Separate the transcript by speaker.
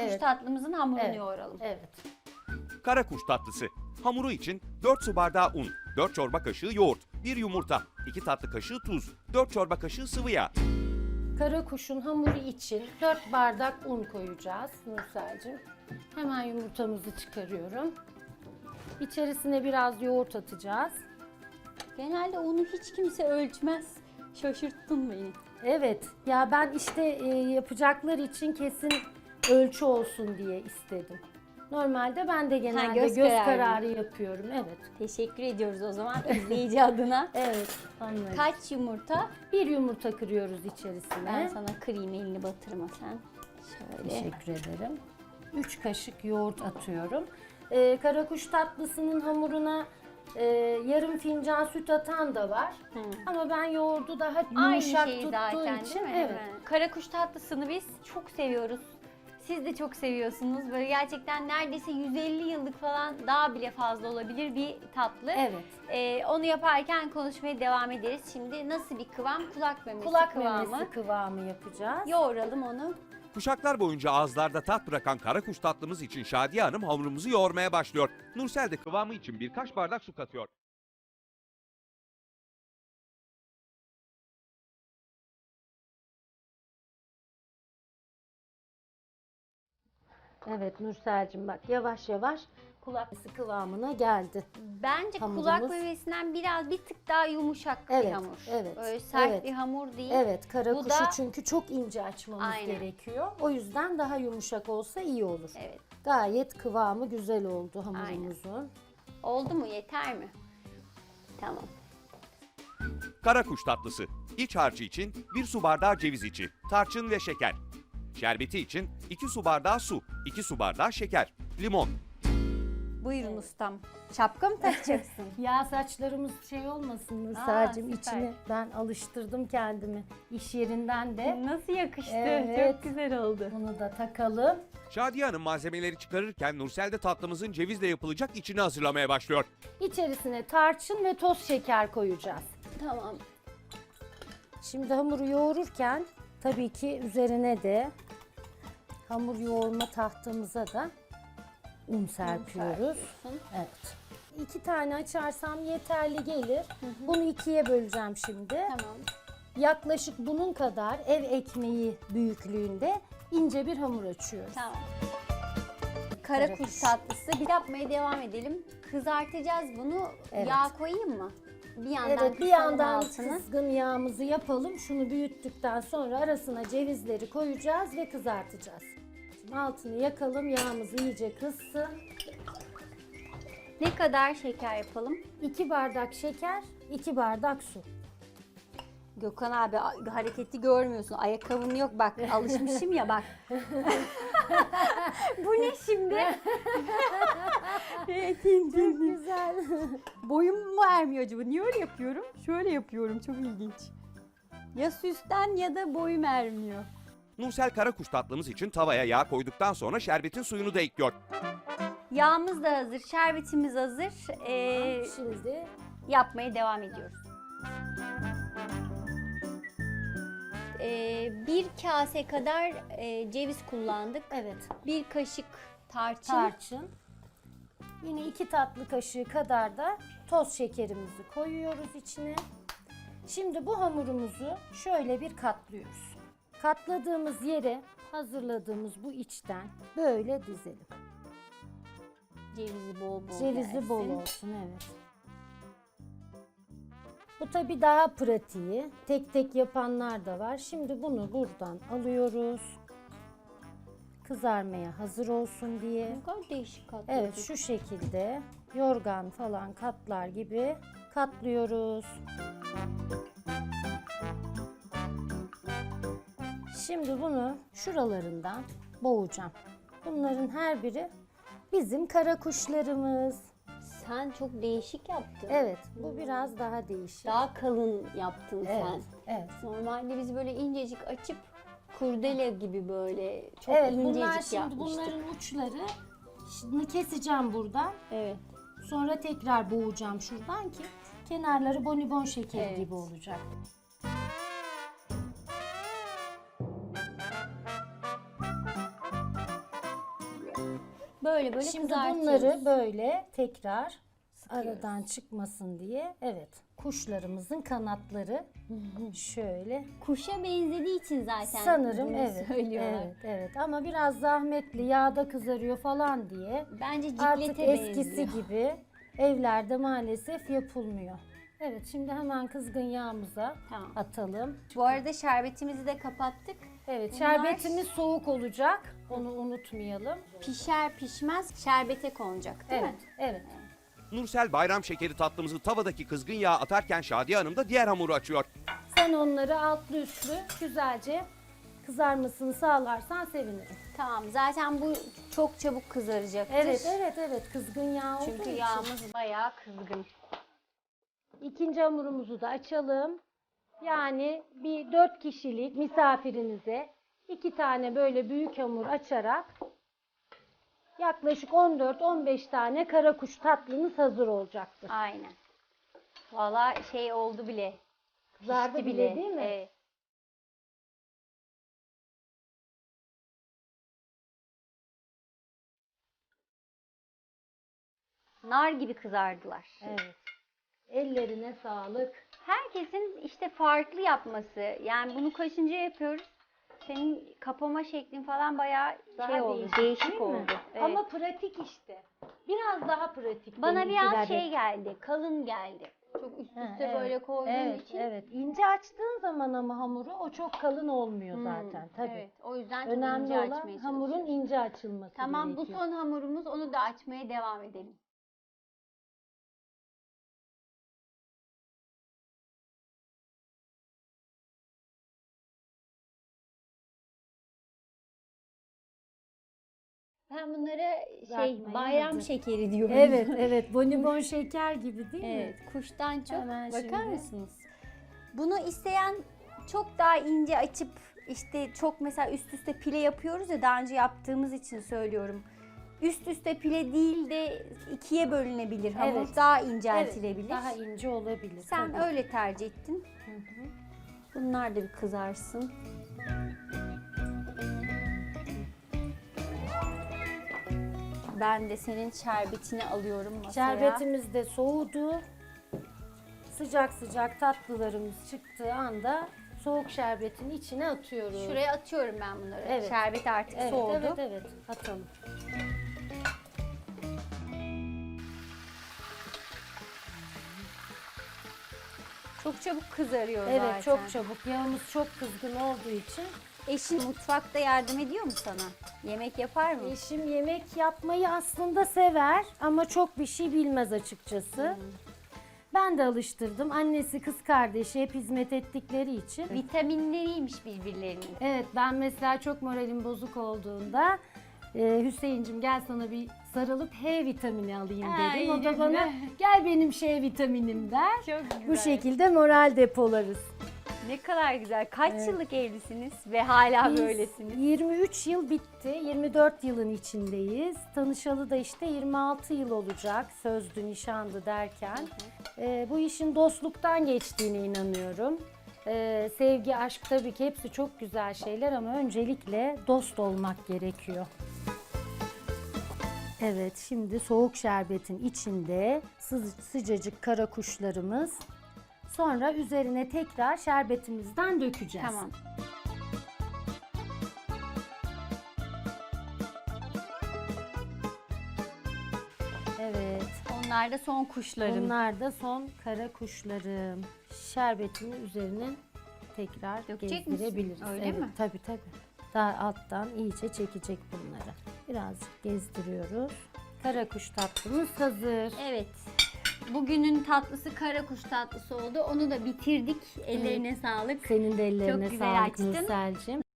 Speaker 1: kuş tatlımızın hamurunu yoğuralım.
Speaker 2: Evet.
Speaker 3: Kara kuş tatlısı. Hamuru için 4 su bardağı un, 4 çorba kaşığı yoğurt, 1 yumurta, 2 tatlı kaşığı tuz, 4 çorba kaşığı sıvı yağ.
Speaker 2: Kara kuşun hamuru için 4 bardak un koyacağız Nursel'cim. Hemen yumurtamızı çıkarıyorum. İçerisine biraz yoğurt atacağız.
Speaker 1: Genelde unu hiç kimse ölçmez. Şaşırttın beni.
Speaker 2: Evet, ya ben işte yapacaklar için kesin ölçü olsun diye istedim. Normalde ben de genelde
Speaker 1: göz
Speaker 2: göz
Speaker 1: kararı.
Speaker 2: kararı yapıyorum. Evet.
Speaker 1: Teşekkür ediyoruz o zaman izleyici adına.
Speaker 2: Evet, anladım.
Speaker 1: Kaç yumurta?
Speaker 2: Bir yumurta kırıyoruz içerisine.
Speaker 1: Ben sana kırayım, elini batırma sen. Şöyle.
Speaker 2: Teşekkür ederim. 3 kaşık yoğurt atıyorum. Karakuş tatlısının hamuruna yarım fincan süt atan da var. Ama ben yoğurdu daha
Speaker 1: Aynı
Speaker 2: yumuşak
Speaker 1: şey
Speaker 2: tuttuğu
Speaker 1: zaten
Speaker 2: için.
Speaker 1: değil mi?
Speaker 2: Evet.
Speaker 1: Karakuş tatlısını biz çok seviyoruz. Siz de çok seviyorsunuz. Böyle gerçekten neredeyse 150 yıllık falan daha bile fazla olabilir bir tatlı.
Speaker 2: Evet.
Speaker 1: Onu yaparken konuşmaya devam ederiz. Şimdi nasıl bir kıvam? Kulak memesi
Speaker 2: Kulak
Speaker 1: kıvamı.
Speaker 2: memesi kıvamı yapacağız.
Speaker 1: Yoğuralım onu.
Speaker 3: Kuşaklar boyunca ağızlarda tat bırakan kara kuş tatlımız için Şadiye Hanım hamurumuzu yoğurmaya başlıyor. Nursel de kıvamı için birkaç bardak su katıyor.
Speaker 2: Evet Nursel'cim bak yavaş yavaş kulak memesi kıvamına geldi.
Speaker 1: Bence
Speaker 2: Hamurumuz.
Speaker 1: kulak memesinden bir tık daha yumuşak bir
Speaker 2: Evet,
Speaker 1: hamur.
Speaker 2: evet,
Speaker 1: Böyle sert
Speaker 2: evet.
Speaker 1: bir hamur değil.
Speaker 2: Evet, kara
Speaker 1: Bu
Speaker 2: kuşu
Speaker 1: da-
Speaker 2: çünkü çok ince açmamız
Speaker 1: Aynen.
Speaker 2: gerekiyor. O yüzden daha yumuşak olsa iyi olur.
Speaker 1: Evet.
Speaker 2: Gayet kıvamı güzel oldu hamurumuzun.
Speaker 1: Oldu mu? Yeter mi? Tamam.
Speaker 3: Kara kuş tatlısı. İç harcı için 1 su bardağı ceviz içi, tarçın ve şeker. Şerbeti için 2 su bardağı su, 2 su bardağı şeker, limon.
Speaker 1: Buyurun ustam. Şapka mı takacaksın?
Speaker 2: Ya saçlarımız şey olmasın Nursel'cim
Speaker 1: süper.
Speaker 2: içine ben alıştırdım kendimi iş yerinden de.
Speaker 1: Nasıl yakıştı?
Speaker 2: Evet.
Speaker 1: Çok güzel oldu.
Speaker 2: Bunu da takalım.
Speaker 3: Şadiye Hanım malzemeleri çıkarırken Nursel de tatlımızın cevizle yapılacak içini hazırlamaya başlıyor.
Speaker 2: İçerisine tarçın ve toz şeker koyacağız.
Speaker 1: Tamam.
Speaker 2: Şimdi hamuru yoğururken tabii ki üzerine de hamur yoğurma tahtamıza da un serpiyoruz.
Speaker 1: serpiyorsun.
Speaker 2: Evet. 2 tane açarsam yeterli gelir. Bunu 2'ye böleceğim şimdi.
Speaker 1: Tamam.
Speaker 2: Yaklaşık bunun kadar ev ekmeği büyüklüğünde ince bir hamur açıyoruz.
Speaker 1: Tamam. Kara kuş tatlısı. Bir yapmaya devam edelim. Kızartacağız bunu.
Speaker 2: Evet.
Speaker 1: Yağ koyayım mı? Bir yandan
Speaker 2: Evet, bir
Speaker 1: kısalım
Speaker 2: yandan
Speaker 1: altını.
Speaker 2: kızgın yağımızı yapalım. Şunu büyüttükten sonra arasına cevizleri koyacağız ve kızartacağız. Şimdi altını yakalım, yağımız iyice kızsın.
Speaker 1: Ne kadar şeker yapalım?
Speaker 2: 2 bardak şeker, 2 bardak su.
Speaker 1: Gökhan abi hareketi görmüyorsun. Ayakkabım yok bak. Alışmışım ya bak. Bu ne şimdi?
Speaker 2: Çok güzel.
Speaker 1: Boyum mu ermiyor acaba? Niye öyle yapıyorum? Şöyle yapıyorum. Çok ilginç. Ya süsten ya da boyum ermiyor.
Speaker 3: Nursel kara kuş tatlımız için tavaya yağ koyduktan sonra şerbetin suyunu da ekliyor.
Speaker 1: Yağımız da hazır. Şerbetimiz hazır.
Speaker 2: Şimdi
Speaker 1: Yapmaya devam ediyoruz. Bir kase kadar ceviz kullandık.
Speaker 2: evet,
Speaker 1: Bir kaşık tarçın.
Speaker 2: tarçın. Yine 2 tatlı kaşığı kadar da toz şekerimizi koyuyoruz içine. Şimdi bu hamurumuzu şöyle bir katlıyoruz. Katladığımız yere hazırladığımız bu içten böyle dizelim.
Speaker 1: Cevizi bol bol
Speaker 2: Cevizi
Speaker 1: gelsin.
Speaker 2: bol olsun, evet. Bu tabii daha pratiği. Tek tek yapanlar da var. Şimdi bunu buradan alıyoruz. Kızarmaya hazır olsun diye.
Speaker 1: Ne kadar değişik katladık.
Speaker 2: Evet, şu şekilde yorgan falan katlar gibi katlıyoruz. Şimdi bunu şuralarından boğacağım. Bunların her biri bizim kara kuşlarımız.
Speaker 1: Sen çok değişik yaptın.
Speaker 2: Evet, bu biraz daha değişik.
Speaker 1: Daha kalın yaptın
Speaker 2: Evet,
Speaker 1: sen.
Speaker 2: evet.
Speaker 1: Normalde biz böyle incecik açıp kurdele gibi böyle çok
Speaker 2: Evet,
Speaker 1: incecik
Speaker 2: bunlar şimdi
Speaker 1: yapmıştık.
Speaker 2: bunların uçları. Şimdi keseceğim buradan.
Speaker 1: Evet.
Speaker 2: Sonra tekrar boğacağım şuradan ki kenarları bonibon şekeri
Speaker 1: Evet.
Speaker 2: gibi olacak.
Speaker 1: Böyle böyle
Speaker 2: Şimdi
Speaker 1: kızartıyoruz.
Speaker 2: bunları böyle tekrar aradan çıkmasın diye, evet, kuşlarımızın kanatları şöyle
Speaker 1: Kuşa benzediği için zaten
Speaker 2: sanırım,
Speaker 1: bunu
Speaker 2: evet,
Speaker 1: söylüyorlar.
Speaker 2: evet, ama biraz zahmetli, yağda kızarıyor falan diye
Speaker 1: Bence
Speaker 2: artık
Speaker 1: ciklete
Speaker 2: eskisi
Speaker 1: benziyor.
Speaker 2: gibi evlerde maalesef yapılmıyor. Evet, şimdi hemen kızgın yağımıza
Speaker 1: Tamam.
Speaker 2: atalım.
Speaker 1: Bu arada şerbetimizi de kapattık.
Speaker 2: Evet,
Speaker 1: Bunlar-
Speaker 2: şerbetimiz soğuk olacak. Onu unutmayalım.
Speaker 1: Pişer pişmez şerbete konacak değil
Speaker 2: Evet,
Speaker 1: mi?
Speaker 2: evet.
Speaker 3: Nursel bayram şekeri tatlımızı tavadaki kızgın yağa atarken Şadiye Hanım da diğer hamuru açıyor.
Speaker 2: Sen onları altlı üstlü güzelce kızarmasını sağlarsan sevinirim.
Speaker 1: Tamam. Zaten bu çok çabuk kızaracaktır.
Speaker 2: Evet. Kızgın yağ olduğu
Speaker 1: Çünkü
Speaker 2: için.
Speaker 1: yağımız bayağı kızgın.
Speaker 2: İkinci hamurumuzu da açalım. Yani bir 4 kişilik misafirinize 2 tane böyle büyük hamur açarak yaklaşık 14-15 tane karakuş tatlınız hazır olacaktır.
Speaker 1: Aynen. Valla şey oldu bile.
Speaker 2: Kızardı
Speaker 1: Pişti
Speaker 2: bile değil mi?
Speaker 1: Evet. Nar gibi kızardılar.
Speaker 2: Evet. Ellerine sağlık.
Speaker 1: Herkesin işte farklı yapması. Yani bunu kaçıncı yapıyoruz? Senin kapama şeklin falan bayağı şey oldu, değişik
Speaker 2: değil mi?
Speaker 1: oldu. Evet.
Speaker 2: Ama pratik işte. Biraz daha pratik.
Speaker 1: Bana
Speaker 2: benimkiler
Speaker 1: biraz
Speaker 2: de.
Speaker 1: şey geldi, kalın geldi. Çok üst
Speaker 2: Ha,
Speaker 1: üste böyle koyduğum
Speaker 2: evet,
Speaker 1: için.
Speaker 2: Evet, ince açtığın zaman ama hamuru o çok kalın olmuyor zaten tabii.
Speaker 1: Evet, o yüzden çok
Speaker 2: Önemli
Speaker 1: ince
Speaker 2: olan
Speaker 1: açmaya
Speaker 2: hamurun
Speaker 1: çalışıyoruz.
Speaker 2: ince açılması
Speaker 1: Tamam, bu
Speaker 2: gerekiyor.
Speaker 1: son hamurumuz, onu da açmaya devam edelim. Ben bunlara
Speaker 2: Kızartmaya
Speaker 1: bayram
Speaker 2: hazır.
Speaker 1: şekeri diyorum.
Speaker 2: Evet, bonibon şeker gibi değil mi?
Speaker 1: Evet, kuştan çok.
Speaker 2: Hemen
Speaker 1: Bakar
Speaker 2: şimdi.
Speaker 1: mısınız? Bunu isteyen çok daha ince açıp işte çok mesela üst üste pile yapıyoruz ya, daha önce yaptığımız için söylüyorum. Üst üste pile değil de ikiye bölünebilir. Hamur
Speaker 2: Evet.
Speaker 1: daha inceltilebilir.
Speaker 2: Evet, daha ince olabilir.
Speaker 1: Sen
Speaker 2: tabii.
Speaker 1: öyle tercih ettin. Bunlar da bir kızarsın. Ben de senin şerbetini alıyorum masaya.
Speaker 2: Şerbetimiz de soğudu. Sıcak sıcak tatlılarımız çıktığı anda soğuk şerbetin içine atıyoruz.
Speaker 1: Şuraya atıyorum ben bunları.
Speaker 2: Evet.
Speaker 1: Şerbet artık soğudu.
Speaker 2: Evet, atalım.
Speaker 1: Çok çabuk kızarıyor
Speaker 2: Evet,
Speaker 1: zaten.
Speaker 2: çok çabuk. Yağımız çok kızgın olduğu için.
Speaker 1: Eşin mutfakta yardım ediyor mu sana? Yemek yapar mı?
Speaker 2: Eşim yemek yapmayı aslında sever ama çok bir şey bilmez açıkçası. Ben de alıştırdım. Annesi, kız kardeşi hep hizmet ettikleri için.
Speaker 1: Vitaminleriymiş birbirlerinin.
Speaker 2: Evet, ben mesela çok moralim bozuk olduğunda Hüseyin'cim gel sana bir sarılıp H vitamini alayım
Speaker 1: Ay,
Speaker 2: derim. O da
Speaker 1: güzel.
Speaker 2: bana gel benim şey vitaminim der.
Speaker 1: Çok güzel.
Speaker 2: Bu şekilde moral depolarız.
Speaker 1: Ne kadar güzel. Kaç yıllık evlisiniz ve hala
Speaker 2: Biz
Speaker 1: böylesiniz?
Speaker 2: 23 yıl bitti. 24 yılın içindeyiz. Tanışalı da işte 26 yıl olacak. Sözdü, nişandı derken. Bu işin dostluktan geçtiğine inanıyorum. Sevgi, aşk tabii ki hepsi çok güzel şeyler ama öncelikle dost olmak gerekiyor. Evet, şimdi soğuk şerbetin içinde sıcacık kara kuşlarımız. Sonra üzerine tekrar şerbetimizden dökeceğiz.
Speaker 1: Tamam.
Speaker 2: Evet.
Speaker 1: Onlar da son kuşların.
Speaker 2: Bunlar da son kara kuşlarım. Şerbetini üzerine tekrar
Speaker 1: Dökecek
Speaker 2: gezdirebiliriz.
Speaker 1: misin? Öyle
Speaker 2: Evet,
Speaker 1: mi?
Speaker 2: Tabii. Daha alttan iyice çekecek bunları. Birazcık gezdiriyoruz. Kara kuş tatlımız hazır.
Speaker 1: Evet. Bugünün tatlısı kara kuş tatlısı oldu. Onu da bitirdik. Ellerine sağlık.
Speaker 2: Senin de ellerine
Speaker 1: Çok güzel
Speaker 2: sağlık
Speaker 1: açtın.
Speaker 2: Nursel'cim.